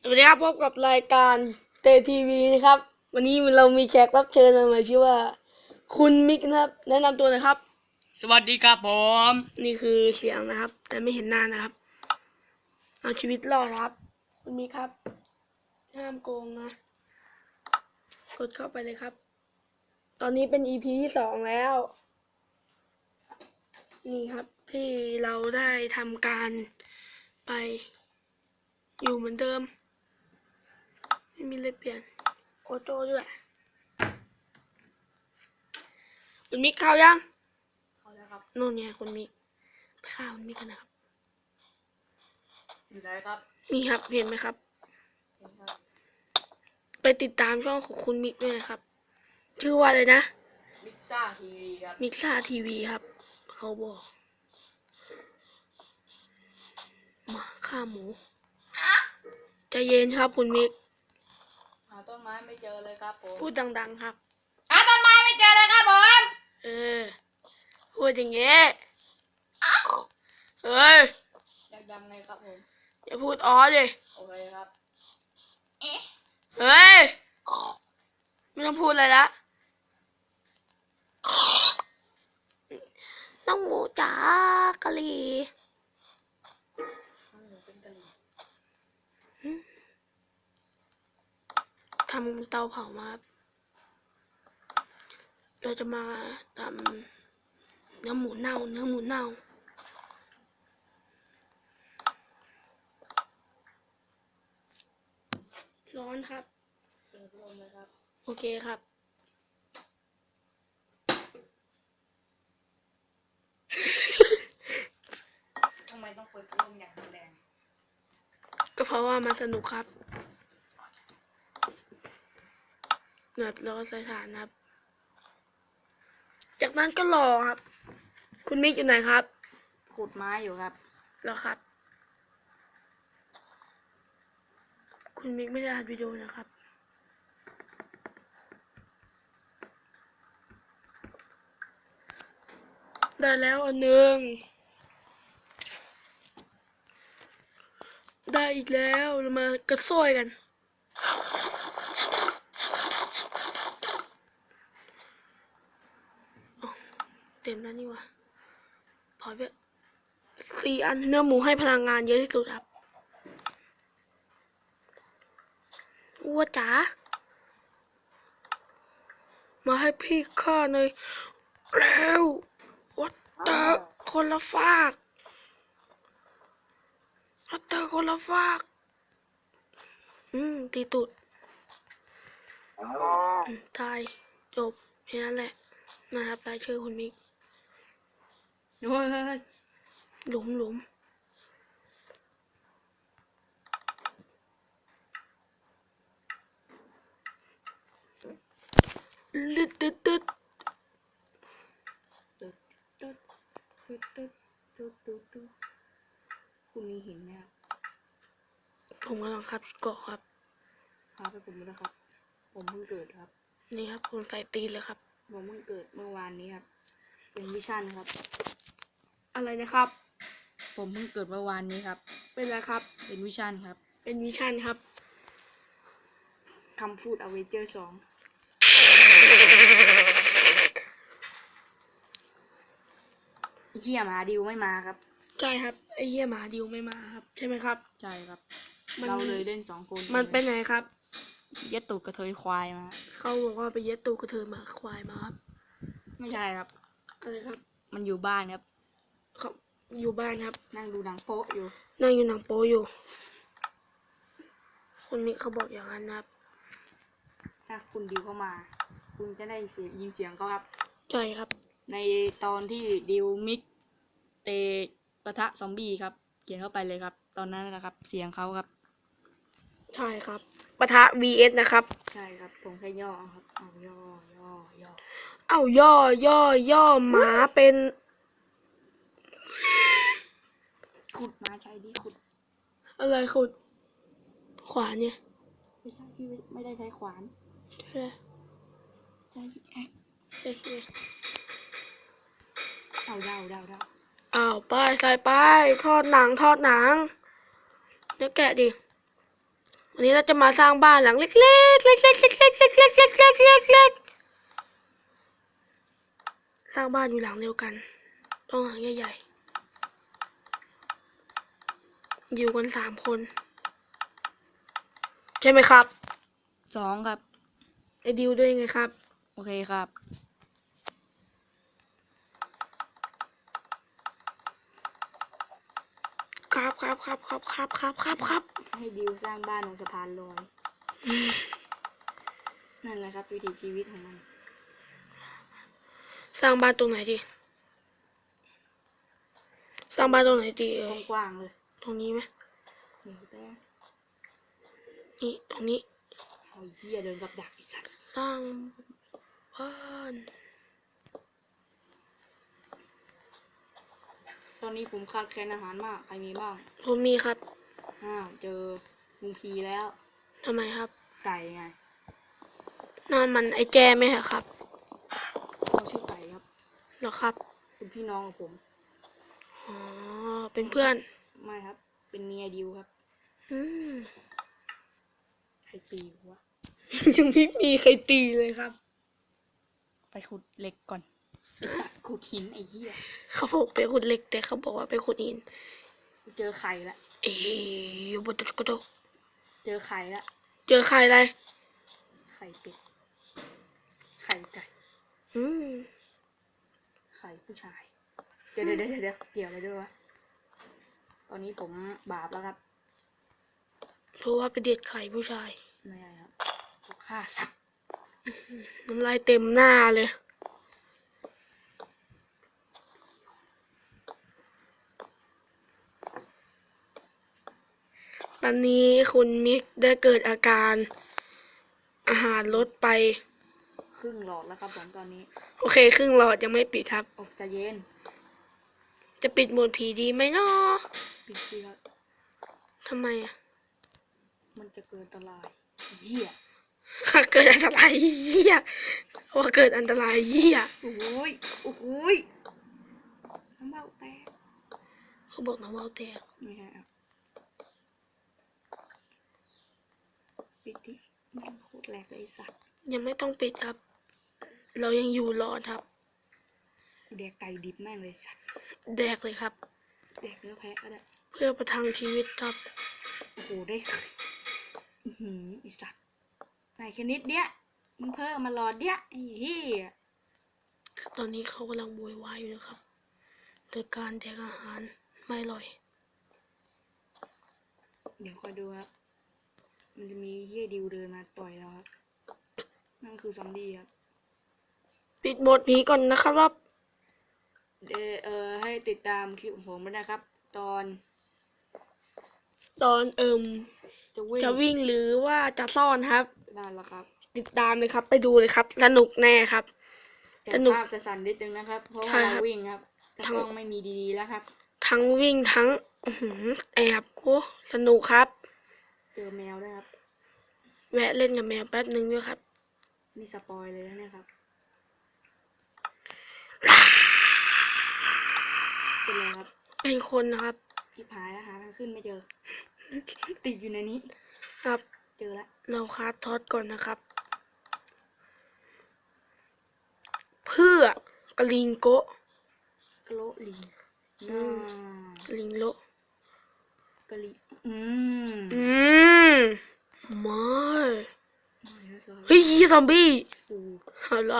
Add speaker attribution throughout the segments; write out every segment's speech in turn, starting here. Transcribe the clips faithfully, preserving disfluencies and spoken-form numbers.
Speaker 1: วัสดีครับพบกับรายการเตทีวีนะครับวันนี้เรามีแขกรับเชิญมาใหม่ชื่อว่าคุณมิกนะครับแนะนำตัวหน่อยครับ
Speaker 2: สวัสดีครับผม
Speaker 1: นี่คือเสียงนะครับแต่ไม่เห็นหน้านะครับเอาชีวิตรอดครับคุณมิกครับห้ามโกงนะกดเข้าไปเลยครับตอนนี้เป็น อี พี ที่สองแล้วนี่ครับที่เราได้ทำการไปอยู่เหมือนเดิมไม่มีอะไรเปลี่ยนโอโจ้ด้วยคุณมิกเข้ายัง
Speaker 2: เข้าแล้วครับ
Speaker 1: โน่นไงคุณมิกไปฆ่าคุณมิกกันนะครับ
Speaker 2: อยู่ไหนครับ
Speaker 1: นี่ครับเห็นไหมครับไปติดตามช่องของคุณมิกด้วยนะครับชื่อว่าอะไรนะ
Speaker 2: มิกซ่าทีวีครับ
Speaker 1: มิกซ่าทีวีครับเขาบอกมาฆ่าหมูใจเย็นครับคุณมิก
Speaker 2: หาต้นไม้ไม่เจอเลยครับผม
Speaker 1: พูดดังๆครับ
Speaker 2: หาต้นไม้ไม่เจอเลยครับผม
Speaker 1: เออพูดอย่างเงี้ยเฮ้ย
Speaker 2: อยากดังไงครับผม
Speaker 1: อย่าพูดอ๋อดิ
Speaker 2: โอเคครับ
Speaker 1: เฮ้ยไม่ต้องพูดอะไรละน้องหมูจ๋ากะหรี่ทำเตาเผามาเราจะมาทำเนื้อหมูเน่าเนื้อหมูเน่าร้อนครับ
Speaker 2: เปิดลมเลยครับ
Speaker 1: โอเคครับ
Speaker 2: ทำไมต้องเปิดลมอย่างแรง
Speaker 1: ก็เพราะว่ามันสนุกครับเนิบแล้วก็ใส่ถ่านครับจากนั้นก็รอครับคุณมิกอยู่ไหนครับ
Speaker 2: ขุดไม้อยู่ครับ
Speaker 1: รอครับคุณมิกไม่ได้อัดวิดีโอนะครับได้แล้วอันหนึ่งได้อีกแล้วเรามากระโซ้ยกันเต็มแล้วนี่วะพอไปสี่อันเนื้อหมูให้พลังงานเยอะที่สุดครับวัวจ๋ามาให้พี่ข้าหน่อยแล้ววัดเตอร์คนละฟากวัดเตอร์คนละฟากอืมตีตุดตายจบแค่นั้นแหละนะครับรายชื่อคุณมิก
Speaker 2: เฮ้ยเฮ้ย
Speaker 1: หลุมหลุมลึดตึ๊ดตึ๊ด
Speaker 2: ตึ๊ดตึ๊ดตึ๊ดตึ๊ดตึ๊ดตึ๊ดตึ๊ดคุณมีหินไหมครับ
Speaker 1: ผมกำลังขับเกาะครับ
Speaker 2: พาไปผมด้วยครับผมเพิ่งเกิดครับ
Speaker 1: นี่ครับผมใส่ตีนเลยครับ
Speaker 2: ผมเพิ่งเกิดเมื่อวานนี้ครับเป็นวิชั่นครับ
Speaker 1: อะไรนะครับ
Speaker 2: ผมเพิ่งเกิดเมื่อวานนี้ครับ
Speaker 1: เป็นอะไรครับ
Speaker 2: เป็นวิชั่นครับ
Speaker 1: เป็นวิชั่นครับ
Speaker 2: คำพูดอเวเจอร์สองเฮียหมาดิวไม่มาครับ
Speaker 1: ใช่ครับไอ้เหี้ยหมาดิวไม่มาครับใช่ไหมครับ
Speaker 2: ใช่ครับเราเลยเล่นสองคน
Speaker 1: มันเป็นไงครับ
Speaker 2: ยัดตูดกระเทยควายมา
Speaker 1: เขาบอกว่าไปเย็ดตูกระเทยมาควายมาครับ
Speaker 2: ไม่ใช่ครับ
Speaker 1: อะไรครับ
Speaker 2: มันอยู่บ้านครับ
Speaker 1: เขาอยู่บ้านครับ
Speaker 2: นั่งดูหนังโป๊อยู่
Speaker 1: นั่งอยู่หนังโป๊อยู่คนนี้เขาบอกอย่างนั้นครับ
Speaker 2: ถ้าคุณดิวเข้ามาคุณจะได้เสียงยินเสียงเขาครับ
Speaker 1: ใช่ครับ
Speaker 2: ในตอนที่ดิวมิกเตปะทะซอมบี้ครับเขียนเข้าไปเลยครับตอนนั้นนะครับเสียงเขาครับ
Speaker 1: ใช่ครับปะทะ วี เอส นะครับ
Speaker 2: ใช่ครับผมแค่ย่อครับเอาย่อย่อย่อ
Speaker 1: เอาย่อย่อย่อหมาเป็น
Speaker 2: ขุดมาใช่ดิขุด
Speaker 1: อะไรขุดขวานเนี่ย
Speaker 2: ไม่ใช่พี่ไม่ได้ใช้ขวาน
Speaker 1: ใช่
Speaker 2: ใช้พิกแอค
Speaker 1: ใช่ใช่
Speaker 2: เอาเดาเดาเดา
Speaker 1: อ้าวไปใส่ไปทอดหนังทอดหนังเนื้อแกะดิวันนี้เราจะมาสร้างบ้านหลังเล็กๆเล็กๆเล็กๆเล็กๆเล็กๆเล็กๆเล็กๆเล็กๆเล็กๆสร้างบ้านอยู่หลังเดียวกันต้องหลังใหญ่ๆอยู่กันสามคนใช่ไหมครับ
Speaker 2: สองครับ
Speaker 1: ไอ้ดิวด้วยไงครับ
Speaker 2: โอเคครับ
Speaker 1: ครับครับครับครับครับครับครับครับ
Speaker 2: ให้ดิวสร้างบ้านบนสะพานลอย นั่นแหละครับวิถีชีวิตของมัน
Speaker 1: สร้างบ้านตรงไหนดีสร้างบ้านตรงไหนดีเอ่ย
Speaker 2: กว้างๆเลย
Speaker 1: ตรงนี้ไหม
Speaker 2: เดี๋ยวแต่
Speaker 1: นี่ตรงนี้
Speaker 2: โอ้ยเหี้ยเดินกับดักไอ้สัตว์
Speaker 1: สร้างบ้าน
Speaker 2: ตอนนี้ผมขาดแคลนอาหารมากใครมีบ้าง
Speaker 1: ผมมีครับ
Speaker 2: อ้าวเจอลุงพีแล้ว
Speaker 1: ทำไมครับ
Speaker 2: ไก่ไง
Speaker 1: นั่นมันไอ้แจไหมครับ
Speaker 2: เขาชื่อไก่ครับ
Speaker 1: เหรอครับ
Speaker 2: เป็นพี่น้องของผม
Speaker 1: อ๋อเป็นเพื่อน
Speaker 2: ไม่ครับ เป็นเมียดิวครับ
Speaker 1: อืม
Speaker 2: ใครตีวะ
Speaker 1: ยังไม่มีใครตีเลยครับ
Speaker 2: ไปขุดเหล็กก่อนไอสัตว์ขุดหินไอ้เหี้ย
Speaker 1: เขาบอกไปขุดเหล็กแต่เขาบอกว่าไปขุดหิน
Speaker 2: เจอไข่ละ
Speaker 1: เอ๊ยบดกระโดด
Speaker 2: เจอไข่ละ
Speaker 1: เจอใครอะไร
Speaker 2: ไข่เป็ด ไข่ไก่
Speaker 1: อืม
Speaker 2: ไข่ผู้ชาย เดี๋ยวเดี๋ยวเดี๋ยวเดี๋ยวเกี่ยวอะไรด้วยวะ ตอนนี้ผมบาปแล้วครับ
Speaker 1: เพราะว่าไปเด็ดไข่ผู้ชาย
Speaker 2: ไม่ใช่ครับผมฆ่าสัตว์
Speaker 1: น้ำลายเต็มหน้าเลย ตอนนี้คุณมิกได้เกิดอาการ อาหารลดไป
Speaker 2: ครึ่งหลอดแล้วครับผมตอนนี้
Speaker 1: โอเคครึ่งหลอดยังไม่ปิดครับ
Speaker 2: ออกจะเย็น
Speaker 1: จะปิดโหมดผีดีไหมเนาะ
Speaker 2: ปิดดีครับ
Speaker 1: ทำไมอ่ะ
Speaker 2: มันจะเกิดอันตรายเหี้ย
Speaker 1: เกิดอันตรายเหี้ยว่าเกิดอันตรายเหี้ย
Speaker 2: โอ้โหยโอ้โหยน้ำเบาแตก
Speaker 1: เขาบอกนะว่าเอาแต่
Speaker 2: ไม่ใช่ครับปิดดิมันโคตรแหลกเลยไอ้สัตว์
Speaker 1: ยังไม่ต้องปิดครับ เรายังอยู่รอดครับ
Speaker 2: แดกไก่ดิบแม่งเลยสัตว์
Speaker 1: แดกเลยครับ
Speaker 2: แดกเนื้อแพะก็ได้
Speaker 1: เพื่อประทังชีวิตครับ
Speaker 2: โอ้โหได้อื้อหือไอสัตว์ไหนแค่นิดเดียวมึงเพิ่มมาหลอดเดียวไอ้เหี้ย
Speaker 1: ตอนนี้เขากำลังโวยวายอยู่นะครับโดยการแดกอาหารไม่อร่อย
Speaker 2: เดี๋ยวคอยดูครับมันจะมีเหี้ยดิวเดินมาต่อยเราครับนั่นคือซอมบี้ครับ
Speaker 1: ปิดโหมดนี้ก่อนนะครับ
Speaker 2: เออเออให้ติดตามคลิปของผมด้วยนะครับ ตอน
Speaker 1: ตอนเอิม
Speaker 2: จะวิ่ง
Speaker 1: จะวิ่งหรือว่าจะซ่อนครับ
Speaker 2: นั่นแหละครับ
Speaker 1: ติดตามเลยครับ ไปดูเลยครับ สนุกแน่ครับ
Speaker 2: แต่
Speaker 1: สนุก
Speaker 2: ภาพจะสั่นนิดนึงนะครับ เพราะว่า
Speaker 1: ใช่ครั
Speaker 2: เรา
Speaker 1: บ
Speaker 2: วิ่งครับแต่
Speaker 1: ทั้ง
Speaker 2: กล้องไม่มีดีๆแล้วครับ
Speaker 1: ทั้งวิ่งทั้งอื้อหือแอบโอ้สนุกครับ
Speaker 2: เจอแมวด้วยครับ
Speaker 1: แวะเล่นกับแมวแป๊บนึงด้วยครับ
Speaker 2: นี่สปอยเลยนะเนี่ยครับ เป็นไรครับ
Speaker 1: เป็นคนนะครับ
Speaker 2: พี่พายแล้วหาทางขึ้นไม่เจอ ติดอยู่ในนี้
Speaker 1: ครับ
Speaker 2: เจอแล้ว
Speaker 1: เราคราฟทอดก่อนนะครับ เพื่อกลิงโกะ
Speaker 2: กะโลลิง
Speaker 1: อื
Speaker 2: น่าม
Speaker 1: ลิงโล
Speaker 2: กะลิอืม
Speaker 1: อืมไม่
Speaker 2: ไม่นะสวัสดี
Speaker 1: เฮ้ยซอมบี้
Speaker 2: ปู
Speaker 1: เอาเหรอ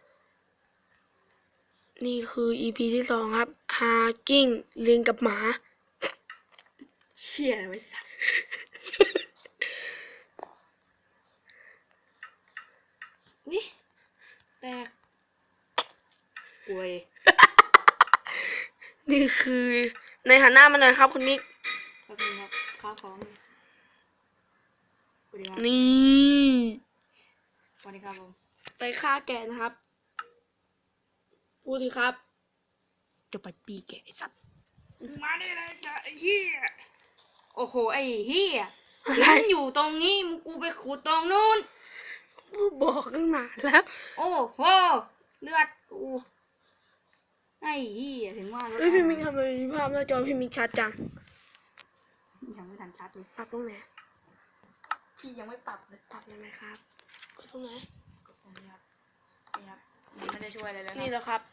Speaker 1: นี่คือ อี พี ที่สองครับ ฮากิ้งลิงกับหมา
Speaker 2: เชี่ยไว้สัตว์วิแตกป่วย
Speaker 1: นี่คือในหันหน้ามาหน่อยครับคุณมิก
Speaker 2: ครับคุณครับข้าวของสวัสดีครับ
Speaker 1: นี่
Speaker 2: สวัสดีครับผม
Speaker 1: ไปฆ่าแกะนะครับ พูดดีครับ
Speaker 2: จะไปปีแกไอ้สัตว์มาได้เลยจ้ะไอ้เหี้ยโอ้โหไอ้เหี้ย
Speaker 1: อะไร
Speaker 2: ฉันอยู่ตรงนี้มึงกูไปขุดตรงนู้น
Speaker 1: บอกตั้งนานแล้ว
Speaker 2: โอ้โหเลือดกูไอ้เหี้ยถึงว่าแล้ว
Speaker 1: เอ้ยพี่มิกทำไมมีภาพหน้าจอพี่มิกชัดจัง
Speaker 2: ยังไม่ทันชัดเลย
Speaker 1: ปักตรงไหน
Speaker 2: ที่ยังไม่ปรับเลย
Speaker 1: ปรับเลยไหมครับกดตรงไหน
Speaker 2: กดตรงนี้ครับนี่ครับมันไม่ได้ช่วยอะไรเลยค
Speaker 1: นี่
Speaker 2: รับ
Speaker 1: แล้วครับ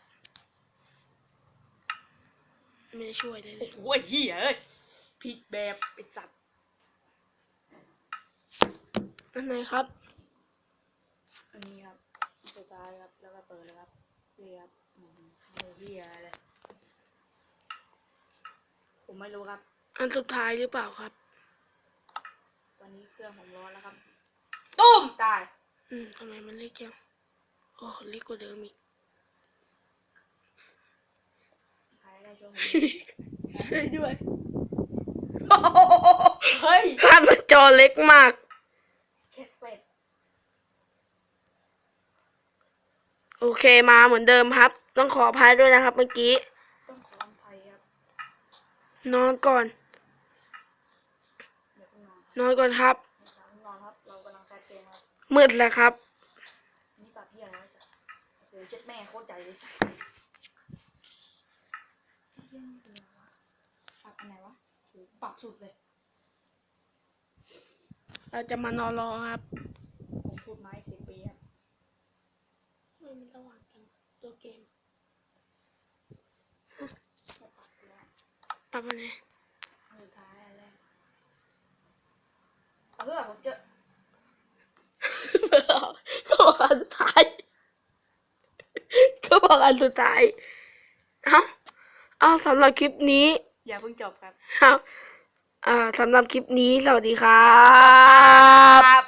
Speaker 1: ไม่ได้ช่วยเลยเล
Speaker 2: โอ้
Speaker 1: ย
Speaker 2: โหเหี้ยเอ้ยผิดแบบไอ้สัตว์
Speaker 1: อันไหนครับ
Speaker 2: อันนี้ครับสุดท้ายครับแล้วก็เปิดเลยครับนี่ครับอืมไม่เหี้ยอะไรเลยผมไม่รู้ครับ
Speaker 1: อันสุดท้ายหรือเปล่าครับ
Speaker 2: ตอนนี้เครื่องผมร้อนแล้วครับตุ้มตาย
Speaker 1: อืมทำไมมันเล็กจังโอ้เล็กกว่าเดิมอีก
Speaker 2: ใครได้ช่วยผม
Speaker 1: ช่วยด้วย
Speaker 2: เฮ้ย
Speaker 1: ภาพมันจอเล็กมาก
Speaker 2: เช็ดเป็ด
Speaker 1: โอเคมาเหมือนเดิมครับ ต้องขออภัยด้วยนะครับ เมื่อกี้
Speaker 2: ต้องขออภัยครับ
Speaker 1: นอนก่อน
Speaker 2: เดี๋ยวคุณนอน
Speaker 1: นอนก่อนครับ
Speaker 2: เดี๋ยวคุณนอนครับเรากำลังแคสเกมครับ
Speaker 1: มืดแล้วครับ
Speaker 2: นี่ปรับเหี้ยอะไรสัตว์เดี๋ยวเจ็ดแม่โคตรใจเลยสัตว์เหี้ยนี่คืออะไรวะปรับอันไหนวะโหปรับสุดเลย
Speaker 1: เราจะมานอนรอครับ
Speaker 2: ผมพูดมาอีกสิบปีครับ
Speaker 1: ไม่มีระหว่างกันตัวเกม
Speaker 2: ไม่ปรับแล้ว
Speaker 1: ปรับอะไร
Speaker 2: อันสุดท้ายอันแรกเอาเพื่อผมเจอ
Speaker 1: ก็บอกอันสุดท้าย ก็บอกอันสุดท้าย เอาเอาสำหรับคลิปนี้
Speaker 2: อย่าเพิ่งจบครับ
Speaker 1: ครับอ่าสำหรับคลิปนี้ สวัสดีครับ
Speaker 2: ครับ